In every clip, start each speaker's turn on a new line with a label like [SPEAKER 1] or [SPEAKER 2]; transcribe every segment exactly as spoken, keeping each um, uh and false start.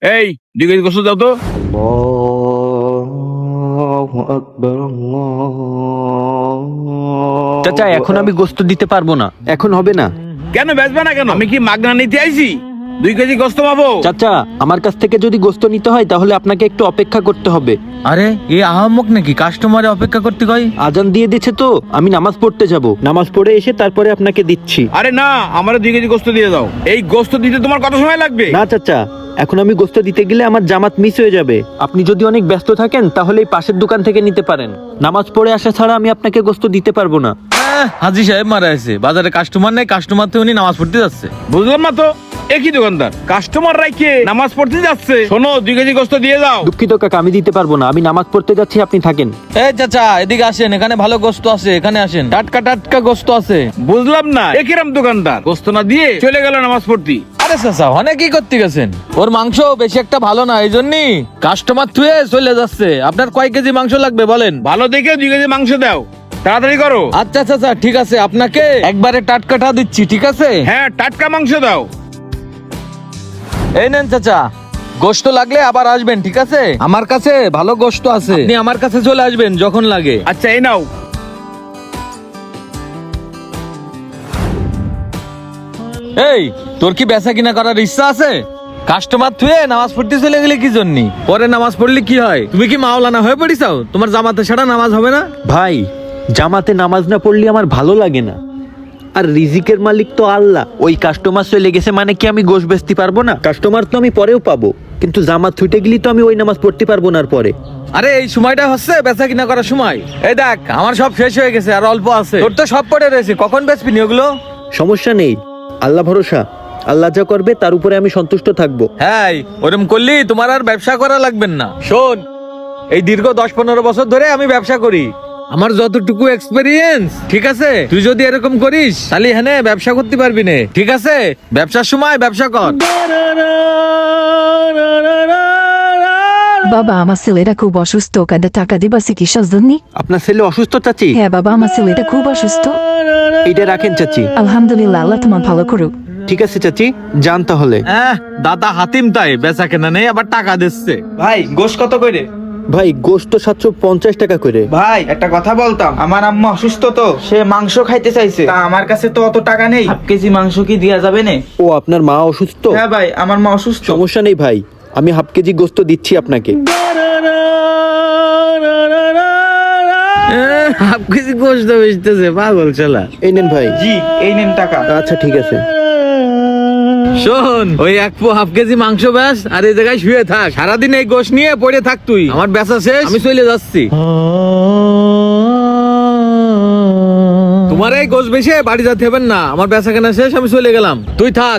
[SPEAKER 1] এই দুই কেজি গোস্ত দাও তো।
[SPEAKER 2] চাচা এখন আমি গোস্ত দিতে পারবো না, এখন হবে না।
[SPEAKER 1] কেন বেচবে না কেন? আমি কি মাগনা নিতে আইছি? দুই কেজি গোস্ত পাবো?
[SPEAKER 2] চাচা আমার কাছ থেকে যদি গোস্ত নিতে হয় তাহলে আপনাকে একটু অপেক্ষা করতে হবে।
[SPEAKER 3] আরে এই আহাম্মক নাকি কাস্টমারে অপেক্ষা করতে কয়?
[SPEAKER 2] আজান দিয়ে দিচ্ছে তো, আমি নামাজ পড়তে যাব, নামাজ পড়ে এসে তারপরে আপনাকে দিচ্ছি।
[SPEAKER 1] আরে না, আমার দুই কেজি গোস্ত দিয়ে দাও। এই গোস্ত দিতে তোমার কত সময় লাগবে?
[SPEAKER 2] না চাচা, এখন আমি গোস্ত দিতে গেলে আমার জামাত মিস হয়ে যাবে। আপনি যদি অনেক ব্যস্ত থাকেন তাহলে এই পাশের দোকান থেকে নিতে পারেন। নামাজ পড়ে আসা ছাড়া আমি আপনাকে গোস্ত দিতে পারবো না।
[SPEAKER 3] আহ, হাজি সাহেব মারা আছে, বাজারে কাস্টমার নেই, কাস্টমার তো উনি নামাজ পড়তে যাচ্ছে।
[SPEAKER 1] বুঝলাম না তো, একই দোকানদার কাস্টমার রাইকে নামাজ পড়তে যাচ্ছে। শোনো, দুই কেজি গোস্ত দিয়ে দাও।
[SPEAKER 2] দুঃখিত কাকা, আমি দিতে পারবো না, আমি নামাজ পড়তে যাচ্ছি, আপনি থাকেন।
[SPEAKER 3] এই চাচা এদিকে আসেন, এখানে ভালো গোস্ত আছে, এখানে আসেন, টাটকা টাটকা গোস্ত আছে।
[SPEAKER 1] বুঝলাম না, একিরাম দোকানদার গোস্ত না দিয়ে চলে গেল নামাজ পড়তে।
[SPEAKER 3] আরে চাচা অনেক কি করতে গেছেন, ওর মাংস বেশি একটা ভালো না, এই জন্যই কাস্টমার থুয়ে চলে যাচ্ছে। আপনার কয় কেজি মাংস লাগবে বলেন?
[SPEAKER 1] ভালো দেখে দুই কেজি মাংস দাও, তাড়াতাড়ি করো।
[SPEAKER 3] আচ্ছা চাচা ঠিক আছে, আপনাকে একবারে টাটকাটা দিচ্ছি, ঠিক আছে?
[SPEAKER 1] হ্যাঁ, টাটকা মাংস দাও।
[SPEAKER 3] এই নেন চাচা, গোশত লাগলে আবার আসবেন, ঠিক আছে? আমার কাছে ভালো গোশত আছে, আপনি আমার কাছে চলে আসবেন যখন লাগে।
[SPEAKER 1] আচ্ছা, এই নাও।
[SPEAKER 3] এই তোর কি বেচা কিনা করার ইচ্ছা আছে? কাস্টমার থুয়ে নামাজ পড়তে চলে গেলে কি জন্য? পরে নামাজ পড়লে কি হয়? তুমি কি মাওলানা হয়ে পড়িছাও? তোমার জামাতে ছাড়া নামাজ হবে না?
[SPEAKER 2] ভাই, জামাতে নামাজ না পড়লে আমার ভালো লাগে না। আর রিজিকের মালিক তো আল্লাহ। ওই কাস্টমার চলে গেছে মানে কি আমি গোশ বেচতে পারবো না? কাস্টমার তো আমি পরেও পাবো, কিন্তু জামাত ছুটে গেলি তো আমি ওই নামাজ পড়তে পারবো না। আর পরে
[SPEAKER 3] আরে এই সময়টা হচ্ছে বেচা কিনা করার সময়। এই দেখ আমার সব শেষ হয়ে গেছে, আর অল্প আছে, তোর তো সব পড়ে রয়েছে, কখন বেচবি নি ওগুলো?
[SPEAKER 2] সমস্যা নেই, আল্লাহ ভরসা, আল্লাহ যা করবে তার উপরে আমি সন্তুষ্ট থাকবো।
[SPEAKER 3] হ্যাঁ, ওরম করলি তোমার আর ব্যবসা করা লাগবে না। শোন, এই দীর্ঘ দশ পনেরো বছর ধরে আমি ব্যবসা করি, আমার যতটুকু এক্সপেরিয়েন্স, ঠিক আছে? তুই যদি এরকম করিস তাহলে হ্যাঁ ব্যবসা করতে পারবি না, ঠিক আছে? ব্যবসার সময় ব্যবসা কর।
[SPEAKER 4] বাবা আমার ছেলেটা খুব অসুস্থ, কাঁদে টাকা দিবা চিকিৎসার জন্য?
[SPEAKER 2] আপনার ছেলে অসুস্থ চাচি?
[SPEAKER 4] হ্যাঁ বাবা, আমার ছেলেটা খুব অসুস্থ।
[SPEAKER 2] এইটা রাখেন চাচি।
[SPEAKER 4] আলহামদুলিল্লাহ, আল্লাহ তোমার ভালো করুক।
[SPEAKER 2] ঠিক আছে চাচি, যান তাহলে।
[SPEAKER 3] হ্যাঁ, দাদা হাতিম তাই বেচা কেনা নেই, আবার টাকা দিচ্ছে।
[SPEAKER 5] ভাই গোশ কত করে?
[SPEAKER 2] ভাই গোশত সাতশো পঞ্চাশ টাকা করে।
[SPEAKER 5] ভাই একটা কথা বলতাম, আমার আম্মা অসুস্থ তো, সে মাংস খাইতে চাইছে, তা আমার কাছে তো অত টাকা নেই, হাফ কেজি মাংস কি দেয়া যাবে না?
[SPEAKER 2] ও আপনার মা অসুস্থ?
[SPEAKER 5] হ্যাঁ ভাই, আমার মা অসুস্থ।
[SPEAKER 2] সমস্যা নেই ভাই, আমি হাফ কেজি গোশত দিচ্ছি আপনাকে।
[SPEAKER 3] হাফ কেজি গোশত বেচতেছে, পাগল শালা।
[SPEAKER 2] এই নেন ভাই।
[SPEAKER 5] জি, এই নেন টাকা।
[SPEAKER 2] আচ্ছা ঠিক আছে।
[SPEAKER 3] শোন, ওই এক পো হাফ কেজি মাংস ব্যাস, আর এই জায়গায় শুয়ে থাক, সারাদিন এই গোশ নিয়ে পড়ে থাক তুই। আমার বেচা শেষ, আমি চলে যাচ্ছি। তোমার এই গোশ বেশে বাড়ি যেতে হবে না, আমার বেচা কেনা শেষ, আমি চলে গেলাম, তুই থাক।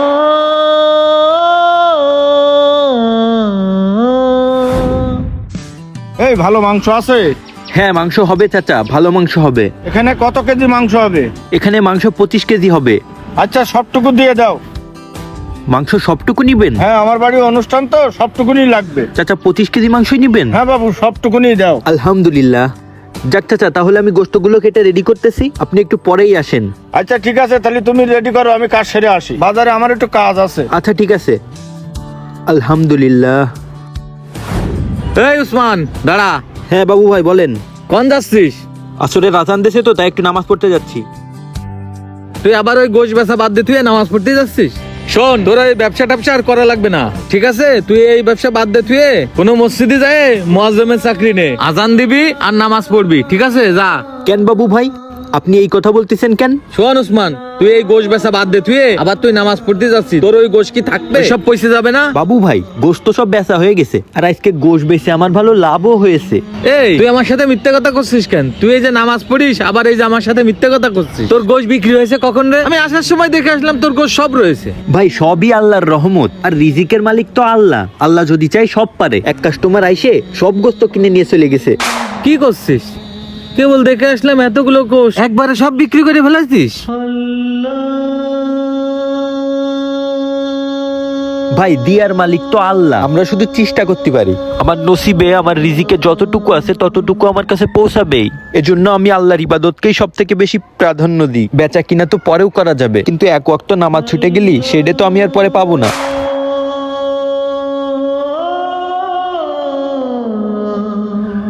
[SPEAKER 1] এই ভালো মাংস আছে?
[SPEAKER 2] হ্যাঁ মাংস হবে চাচা, ভালো মাংস হবে।
[SPEAKER 1] এখানে কত কেজি মাংস হবে?
[SPEAKER 2] এখানে মাংস পঁচিশ কেজি হবে।
[SPEAKER 1] আচ্ছা, সবটুকু দিয়ে দাও।
[SPEAKER 2] মাংস সবটুকু নিবেন?
[SPEAKER 1] হ্যাঁ, আমার বাড়ির অনুষ্ঠান তো, সবটুকুনি লাগবে।
[SPEAKER 2] চাচা পঁচিশ কেজি মাংসই নিবেন?
[SPEAKER 1] হ্যাঁ বাবু, সবটুকুনি দাও।
[SPEAKER 2] আলহামদুলিল্লাহ। যাক চাচা, তাহলে আমি গোশতগুলো কেটে রেডি করতেছি, আপনি একটু পরেই আসেন।
[SPEAKER 1] আচ্ছা ঠিক আছে, তাহলে তুমি রেডি করো, আমি কাজ সেরে আসি, বাজারে আমার একটু কাজ আছে।
[SPEAKER 2] আচ্ছা ঠিক আছে। আলহামদুলিল্লাহ।
[SPEAKER 3] এই উসমান দাঁড়া।
[SPEAKER 2] হ্যাঁ বাবু ভাই বলেন।
[SPEAKER 3] কোন যাচ্ছিস?
[SPEAKER 2] আসলে রাজান দেশে তো, তাই একটু নামাজ পড়তে যাচ্ছি।
[SPEAKER 3] তুই আবার ওই গোশ বেচা বাদ দিয়ে তুই নামাজ পড়তে যাচ্ছিস? শোন, তোর এই ব্যবসা ট্যাবসা আর করা লাগবে না, ঠিক আছে? তুই এই ব্যবসা বাদ দে, তুই কোনো মসজিদে যায় মুয়াজ্জিমের চাকরি নে, আজান দিবি আর নামাজ পড়বি, ঠিক আছে? যা।
[SPEAKER 2] কেন বাবু ভাই, আপনি এই কথা বলতেছেন কেন?
[SPEAKER 3] শোন উসমান, তুই এই গোশ বেচা বাদ দে, তুই আবার তুই নামাজ পড়তে যাচ্ছিস, তোর ওই গোশ কি থাকবে? সব পয়সা যাবে না?
[SPEAKER 2] বাবু ভাই, গোশত সব বেচা হয়ে গেছে, আর আজকে গোশ বেচে আমার ভালো লাভও হয়েছে।
[SPEAKER 3] এই তুই আমার সাথে মিথ্যে কথা করছিস কেন? তুই এই যে নামাজ পড়িস, আবার এই যে আমার সাথে মিথ্যে কথা করছিস। তোর গোশ বিক্রি হয়েছে কখন রে? আমি আসার সময় দেখে আসলাম তোর গোশ সব রয়েছে।
[SPEAKER 2] ভাই সবই আল্লাহর রহমত, আর রিজিকের মালিক তো আল্লাহ। আল্লাহ যদি চাই সব পারে। এক কাস্টমার আইসে সব গোশত কিনে নিয়ে চলে গেছে।
[SPEAKER 3] কি করছিস? কেবল দেখে আসলাম এতগুলো কোষ একবারে সব বিক্রি করে ফেলাছিস?
[SPEAKER 2] ভাই দিয়ার মালিক তো আল্লাহ, আমরা শুধু চেষ্টা করতে পারি। আমার নসিবে, আমার রিজিকে যতটুকু আছে ততটুকু আমার কাছে পৌঁছাবেই। এজন্য আমি আল্লাহর ইবাদতকেই সব থেকে বেশি প্রাধান্য দিই। বেচা কিনা তো পরেও করা যাবে, কিন্তু এক ওয়াক্ত নামাজ ছুটে গেলি সেটা তো আমি আর পরে পাবো না।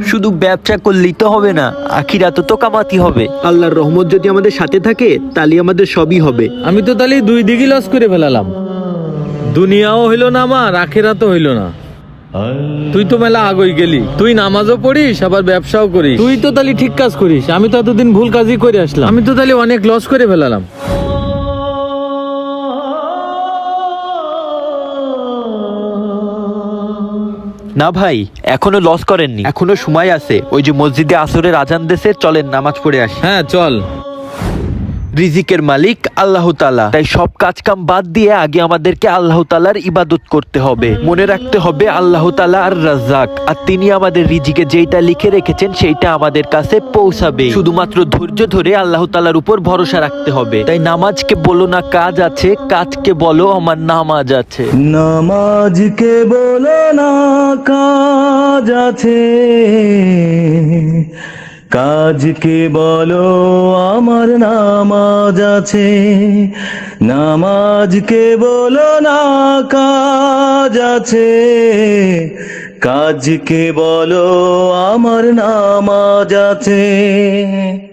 [SPEAKER 2] শুধু ব্যবসা করলেই তো হবে না, আখিরাতে তো কামাতি হবে। আল্লাহর রহমত যদি আমাদের সাথে থাকে তাহলে আমাদের সবই হবে।
[SPEAKER 3] আমি তো তাহলে দুই দিকে লস করে ফেলালাম, দুনিয়াও হইলো না আমার, আখেরাতও হইলো না। তুই তো মেলা আগই গেলি, তুই নামাজও পড়িস আবার ব্যবসাও করিস, তুই তো তাহলে ঠিক কাজ করিস। আমি তো এতদিন ভুল কাজই করে আসলাম, আমি তো তাহলে অনেক লস করে ফেলালাম।
[SPEAKER 2] না ভাই, এখনো লস করেননি, এখনো সময় আছে। ওই যে মসজিদে আসরের আজান দেশে, চলেন নামাজ পড়ে আসি।
[SPEAKER 3] হ্যাঁ চল।
[SPEAKER 2] রিজিকের মালিক আল্লাহ তাআলা, তাই সব কাজ কাম বাদ দিয়ে আগে আমাদেরকে আল্লাহ তাআলার ইবাদত করতে হবে। মনে রাখতে হবে আল্লাহ তাআলা আর রাজ্জাক, আর তিনি আমাদের রিজিকে যেইটা লিখে রেখেছেন সেইটা আমাদের কাছে পৌঁছাবে। শুধুমাত্র ধৈর্য ধরে আল্লাহ তাআলার উপর ভরসা রাখতে হবে। তাই নামাজকে বলো না কাজ আছে, কাজকে বলো আমার নামাজ আছে।
[SPEAKER 6] নামাজকে বলো না কাজ আছে, কাজকে বলো আমার নামাজ আছে। নামাজকে বলো না কাজ আছে, কাজকে বলো আমার নামাজ আছে।